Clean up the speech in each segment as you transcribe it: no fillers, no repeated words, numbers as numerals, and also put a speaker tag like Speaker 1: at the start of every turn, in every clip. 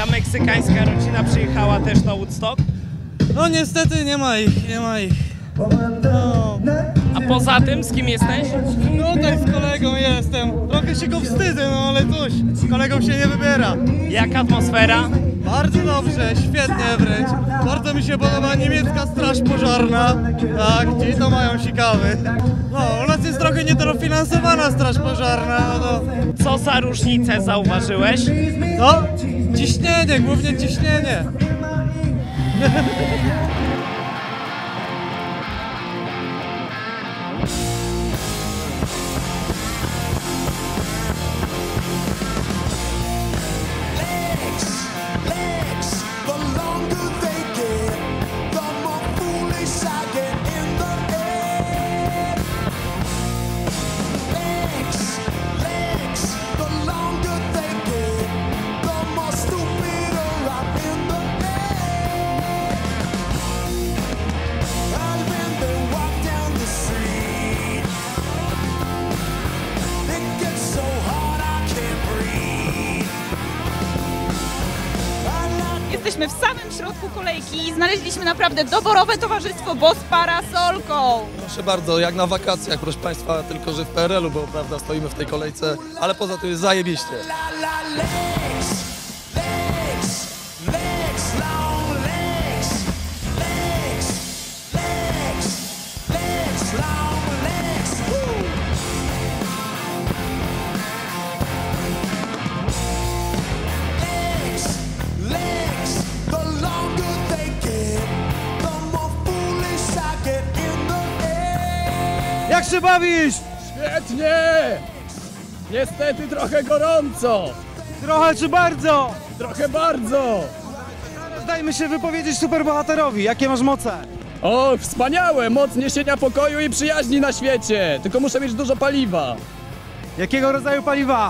Speaker 1: twoja meksykańska rodzina przyjechała też na Woodstock?
Speaker 2: No niestety nie ma ich, nie ma ich. No.
Speaker 1: A poza tym z kim jesteś?
Speaker 2: No tutaj z kolegą jestem. Trochę się go wstydzę, no ale cóż, z kolegą się nie wybiera.
Speaker 1: Jaka atmosfera?
Speaker 2: Bardzo dobrze, świetnie wręcz. Bardzo mi się podoba niemiecka straż pożarna. Tak, ci to mają sikawy. No, u nas jest trochę niedofinansowana straż pożarna, no to...
Speaker 1: Co za różnicę zauważyłeś?
Speaker 2: No, ciśnienie, głównie ciśnienie.
Speaker 3: Jesteśmy w samym środku kolejki i znaleźliśmy naprawdę doborowe towarzystwo, bo z parasolką.
Speaker 4: Proszę bardzo, jak na wakacjach, proszę Państwa, tylko że w PRL-u, bo prawda stoimy w tej kolejce, ale poza tym jest zajebiście.
Speaker 2: Jak się bawisz?
Speaker 5: Świetnie! Niestety trochę gorąco.
Speaker 2: Trochę czy bardzo?
Speaker 5: Trochę bardzo.
Speaker 2: Dajmy się wypowiedzieć superbohaterowi. Jakie masz moce?
Speaker 5: O, wspaniałe! Moc niesienia pokoju i przyjaźni na świecie. Tylko muszę mieć dużo paliwa.
Speaker 2: Jakiego rodzaju paliwa?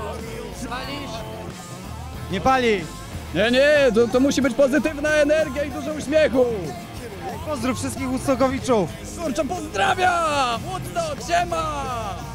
Speaker 2: Nie pali.
Speaker 5: Nie, to musi być pozytywna energia i dużo uśmiechu.
Speaker 2: Pozdrów wszystkich Woodstockowiczów.
Speaker 5: Kurczę, pozdrawiam! Woodstock, siema!